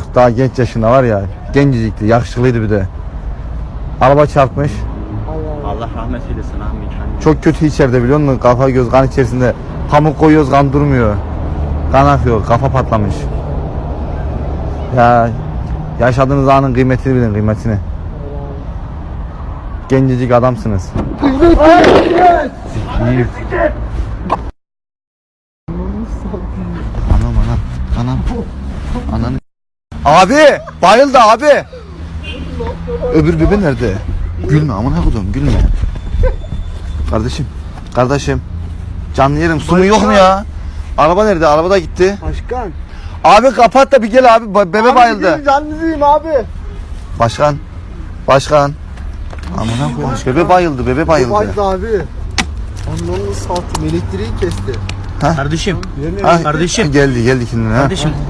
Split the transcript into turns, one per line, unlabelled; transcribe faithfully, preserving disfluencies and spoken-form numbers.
daha genç yaşında var ya. Gencecikti, yakışıklıydı bir de. Araba çarpmış.
Allah rahmet eylesin abi.
Çok kötü içeride biliyor musun? Kafa göz kan içerisinde. Pamuk koyuyoruz, kan durmuyor. Kan akıyor, kafa patlamış. Ya yaşadığınız anın kıymetini bilin, kıymetini. Gencecik adamsınız. İyi. Anam anam anam. Ananı. Abi bayıldı abi. Öbür bebe nerede? Gülme amına koydum, gülme. Kardeşim, kardeşim. Canlı yerim, su mu yok mu ya? Araba nerede? Araba da gitti.
Başkan.
Abi kapat da bir gel abi. Bebe
Abi
bayıldı.
canlıyım abi.
Başkan. Başkan. Amına koymuş. Bebe bayıldı. Bebe bayıldı.
Bayıldı abi. Anlamını satayım. Elektriği kesti.
Kardeşim.
Ha,
Kardeşim.
Geldi geldi kendine. Ha.
Kardeşim